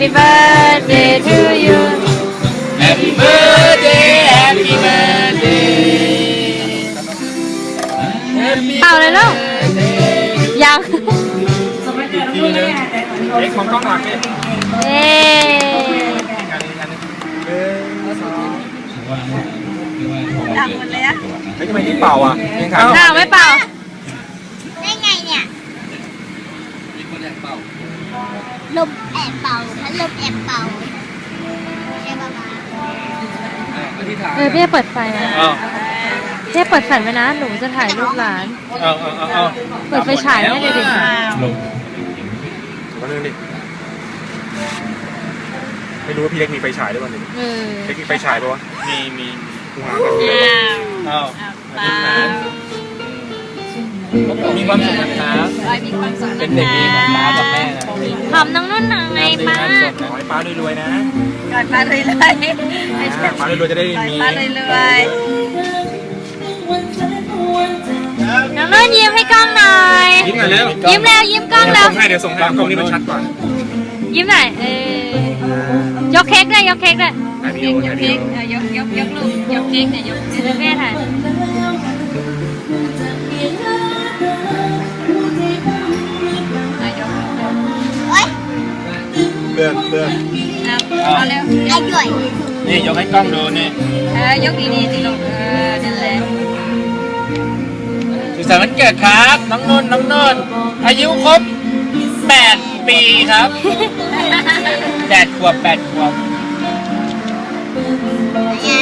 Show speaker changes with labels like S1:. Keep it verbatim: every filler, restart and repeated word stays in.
S1: birthday to you
S2: Happy birthday Happy birthday
S1: เป่าเลยลูกยัง
S2: ทีนึงเอ็กของกล้องหลังเนี่ย
S1: เย้
S2: งานนี้งานนี้
S3: ดังหมดเลยอะ
S2: เฮ้ยทำไมนี่เป่าอ่ะยังไง
S1: อ้าวไม่เป่า
S3: ได้ไงเนี่ยลมแอบเป่าพัดลมแอบเป่าใช่ป่ะมา
S1: เออพี่จะเปิดไฟนะ
S2: เอา
S1: พี่จะเปิดแฟลชไว้นะหนูจะถ่ายรูปหลาน
S2: เอาเอาเอาเอา
S1: เปิดไฟฉายไว้เลยดิ
S2: ลงมาเรื่องดิไม่รู้ว่าพี่เล็กมีไฟฉายด้วยวันนี้
S1: เออ
S2: เล็กมีไฟฉายปะวะมีมีกูหากันอ้าวมีความสุขนะครับเป็นเด็กดีของป้ากับแม่นะ
S1: หอมน้องนุ่นหน่อยป้า
S2: ขอให้ป้ารวยๆนะ
S3: ก่อนมาเลยเลยไม่ใช่
S2: ป้ารวยๆจะได้มี
S3: มาเลยเลย
S1: น้องนุ่นยิ้มให้กล้องหน่อย
S2: ยิ้มหน่อยเร็ว
S1: ยิ้มแล้วยิ้มกล้องแล้ว
S2: ส่งให้เดี๋ยวส่งให้กล้องนี้มันชัดกว่า
S1: ยิ้มหน่อยเออยกเค้กด้วยยกเค้กด้วย
S2: ถ่ายวิดีโอถ่ายวิดีโอย
S3: กยกยกลูกยกเค้กเนี่ยยก
S1: เดี๋ยวแม่ถ่าย
S3: โอ๊ย
S2: เลื่อนเลื่อน
S3: เอาเร็วไอ้ด้วย
S2: นี่ยกให้กล้องดูนี่
S3: เออยกดีๆสิลูกเออนั่นแหละ
S2: สุขสันต์วันเกิดครับน้องนุ่นน้องนุ่นอายุครบแปดปีครับแปดขวบแปดขวบ
S3: ไง